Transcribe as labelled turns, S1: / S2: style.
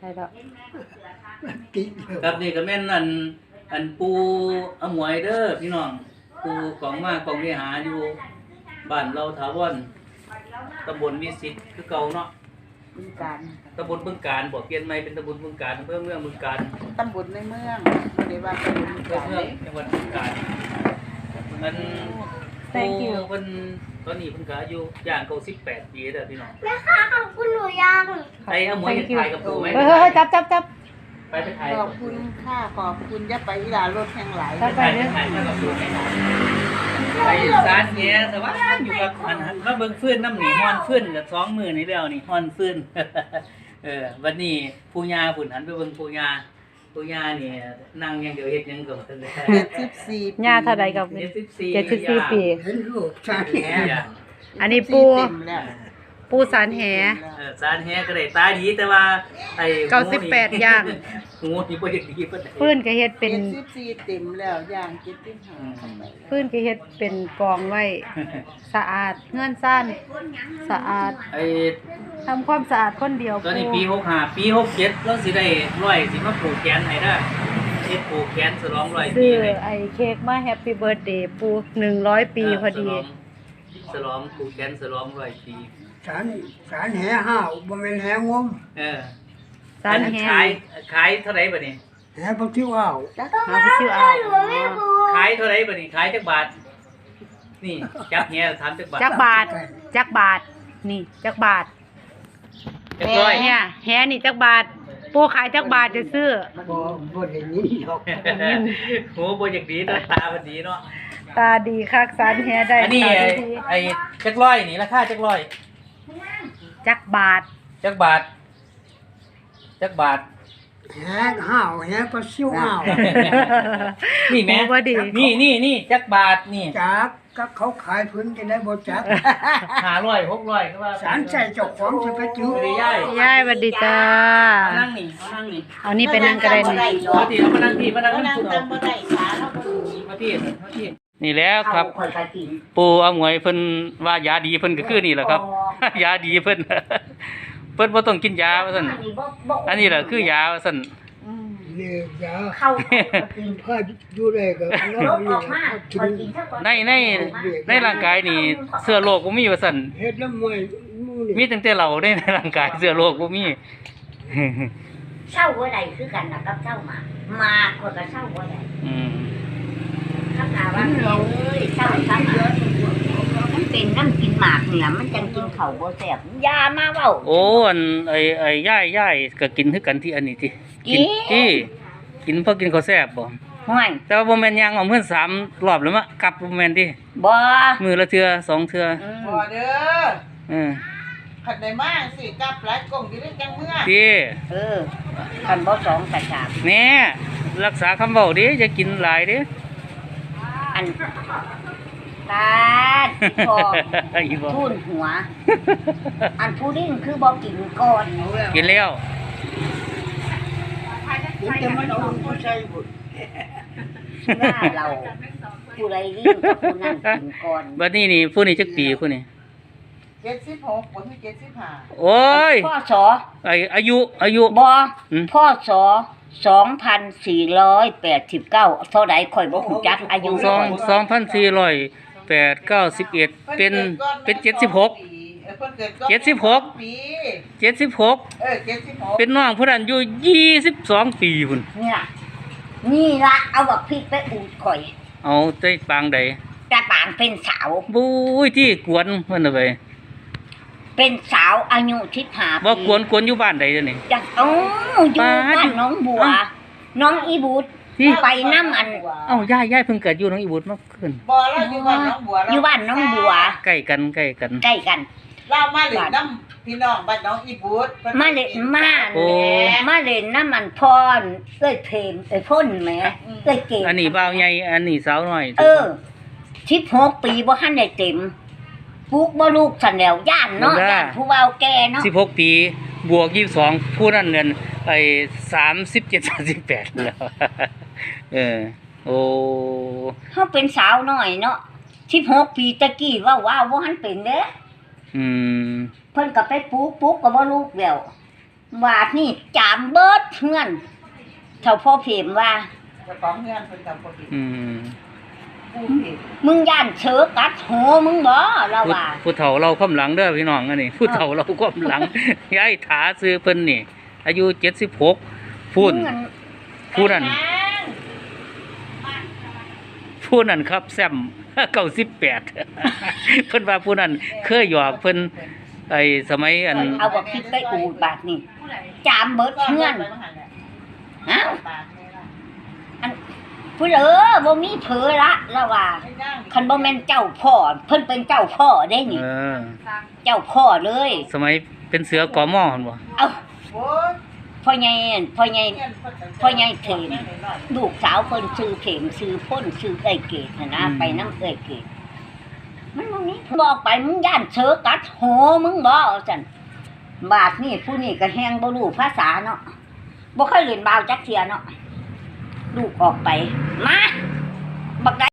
S1: ช่ดอก
S2: ครับนี่ก็แม่นอันปูอมวยเด้อพี่น้องปูของมากองวิหารอยู่บ้านเราถาวรตำบลวิสิตคือเก่าเนาะ
S1: บึงการ
S2: ตำบลบึงการบ่เปลี่ยนใหม่เป็นตำบลบึงการอำเภอเมืองบึงการ
S1: ตำบลในเมืองบ่ได้ว่าตำบลบึงการ
S2: จังหวัดบึงการมันปูเพิ่นตอนนี้เพิ่นก็อายุย่างเข้า18 ปีแล้วพี่น้อง
S3: แม่ค่ะขอบคุณหนูยัง
S2: ไอ้อมวยจะถ่ายกับปูไหม
S1: จับ
S2: ไปถ่าย
S1: ขอบคุณค่ะขอบคุณอย่าไปอีหลารถแห่งหลาย
S2: ไปถ่ายกับปูไปสารแหสว่างอยู่กับอันมาเบิ่งฟื้นน้ำหนีฮ้อนฟื้นกับ2มื้อนี้แล้วนี่ฮ้อนฟื้นวันนี้ปู่ย่าพุ่นหันไปเบิ่งปู่ย่านี่นั่งอย่างเดียวเฮ็ดหยังก็บ่ทันได้
S1: 74ย่าเท่าใดกับ74ปี
S4: เห็นลูกชาแห
S1: อันนี้ปูสารแห
S2: สารแหก็ได้ตาดีแต่ว่าไอ้
S1: 98ย่าง
S2: งูนี่บ่ได้ดีปานใด
S1: ฟื้นก็เฮ็ดเป็น
S4: 74เต็มแล้วย่าง75เข้าไป
S1: ฟื้นก็เฮ็ดเป็นกองไว้สะอาดเงื่อนซ่านสะอาดทำความสะอาดคนเดียว
S2: ตอนนี้ปี65ปี67เราสิได้100สิมาปลูกแขนให้เด้อเฮ็ดปลูกแขนฉลอง100ปี
S1: ซื้อไอ้เค้กมาแฮปปี้เบิร์ธเดย์ปู100ปีพอดี
S2: ฉลองปลูกแขนฉลอง100ปี
S4: สารแหห้าวบ่แม่นแหงม
S1: สารแห
S2: ขายเท่าไหร่บัดนี้
S4: แหบ่ทิวอ้าว
S1: หาไปซื้อเอา
S2: ขายเท่าไหร่บัดนี้ขายจักบาทนี่จักแหถามจักบาท
S1: จักบาทนี่จักบาท
S2: จักร้อย
S1: เนี่ยแหนี่จักบาทปูขายจักบาทจะซื้อ
S4: บ่ได้ยินดอก
S2: โหบ่อยากดีตาบ่ดีเนาะ
S1: ตาดีคักสารแหได้
S2: อันนี้ไอ้จักร้อยนี่ราคาจักร้อย
S1: จักบาท
S4: แหห้าวแหก็ซิวอ้าว
S2: นี่แม่นี่จักบาทนี่
S4: จักก็เขาขายพื้นจะได้บ่จัก
S2: 500 600ก็ว่า
S4: สารใส่เจ้าของสิไปจื้
S1: อยายสวัสดีจ้า
S2: นั่งนี่
S1: เอานี่ไปนั่งก็ได้นี่
S2: เอามานั่งที่มานั่งบ่ได้ขาเนาะมาที่นี่แล้วครับปู่อมวยเพิ่นว่ายาดีเพิ่นก็คือนี่แหละครับยาดีเพิ่นบ่ต้องกินยาว่าซั่นอันนี้แหละคือยาว่าซั่น
S4: นี่ยาเข้ากินพาอยู่ได้ก็
S3: ลบออกมากินซะก่อน
S2: ในร่างกายนี่เชื้อโรคบ่มีว่าซั่น
S4: เฮ็ดน้ำมวย
S2: มีตั้งแต่เราในร่างกายเชื้อโรคบ่มี
S3: เศร้าบ่ได้คือกันน่ะกับเศร้ามาคนก็เศร้าบ่ได้ข้างหน้าว่าเอ้ยเศร้าซ้ำมันเป็นน้ำกินหมากนี่ล่ะมันจังกินข้าวบ่แซ่บยามาเว้า
S2: โอ้อันไอ้ย่ายก็กินคือกันที่อันนี้ติกินพอกินข้าวแซ่บบ่
S3: ห่วย
S2: แต่ว่าบ่แม่นย่างเอาเพิ่น3รอบแล้วมากลับบ่แม่นติ
S3: บ่
S2: มื้อละเทื่อ2เทื่อ
S4: บ่เด้อขัดได้มาสิกลับหลายกงอยู่ได้จังเมื่อ
S2: ติ
S3: คันบ่2ก็3
S2: แน่รักษาคำเว้าดิอย่ากินหลายดิ
S3: อันตาพอทุ่นหัวอันผู้ดิ้งคือบ่กินก่อน
S2: กินแล้ว
S4: จะมันเอาผู้ชายบุญ
S3: ว่าเราผู้ใดดิ้งกับผู้นั้นกินก่อน
S2: บัดนี้นี่ผู้นี้จักปีผู้นี้
S4: 76บ่คือ75
S2: โอ้ย
S3: พ่อสอ
S2: อายุ
S3: บ่พ่อสอ2489เท่าใดข่อยบ่ฮู้จักอายุ
S2: 2491เป็น76เป็นน้องผู้นั้นอยู่22ปีพุ่น
S3: นี่ล่ะเอาบักพริกไปอูดข่อย
S2: เอาได้ปางใด
S3: แต่ปางเป็นสาว
S2: บุ้ยที่กวนเพิ่นเอาไป
S3: เป็นสาวอายุ15
S2: บ่กวนอยู่บ้านใดเด้อนี่
S3: จังอยู่บ้านน้องบัวน้องอีบูดไปน้ำอัน
S2: ย่ายเพิ่งเกิดอยู่น้องอีบูดมาขึ้น
S4: บ่ล่ะอยู่บ้านน้องบัว
S3: อยู่บ้านน้องบัว
S2: ใกล้กัน
S4: เรามาเล่นน้ำพี่น้องบ้านน้องอีบูด
S3: มาเล่นน้ำมันพรเอ้ยเพมพ่นแหมเอ้ยเก่ง
S2: อันนี้บ่าวใหญ่อันนี้สาวน้อย
S3: 16 ปีบ่ทันได้เต็มปลูกบ่ลูกซั่นแล้วย่านเนาะย่านผู้เฒ่าแก่เนาะ
S2: 16 ปีบวก22ผู้นั้นนั่น37 38แล้วโอ้
S3: เฮาเป็นสาวน้อยเนาะ16 ปีตะกี้ว้าวบ่ทันเป็นเด้เพิ่นก็ไปปลูกก็บ่ลูกแล้ววาดนี่จามเบิดเงินเท่าพ่อเพมว่า
S4: เจ้าของเฮือนเพิ่นกับบ่ผิด
S2: อืม
S4: ผู้ผิด
S3: มึงย่านเชือกัดหัวมึงบ่เราว่า
S2: ผู้เฒ่าเราความหลังเด้อพี่น้องอันนี้ผู้เฒ่าเราความหลัง ยายถาซื้อเพิ่นนี่ อายุ76พูน
S3: มึง
S2: ผู้นั้นผู้นั้นครับแซม 98 เพิ่นว่าผู้นั้นเคยหยอกเพิ่นไอ้สมัยอัน
S3: เอาบ่คิดไปอูดบาทนี่จามเบิดเงินฮะอันผู้เหลอบ่มีเผลอละเราว่าคันบ่แม่นเจ้าพ่อเพิ่นเป็นเจ้าพ่อได้นี่
S2: เออ
S3: เจ้าพ่อเลย
S2: สมัยเป็นเสือกอมอหั่นบ่
S3: เอ้า
S4: โอ้ย
S3: พ่อใหญ่เทนลูกสาวเพิ่นชื่อเข็มชื่อพ่นชื่อเอ้ยเกดนะไปน้ำเอ้ยเกดมันบ่มีบอกไปมึงย่านเชือกัดหัวมึงบ่ซั่นบาดนี่ผู้นี่ก็แฮงบ่รู้ภาษาเนาะบ่เคยเรียนบาวจักเที่ยเนาะลูกออกไปมาบัก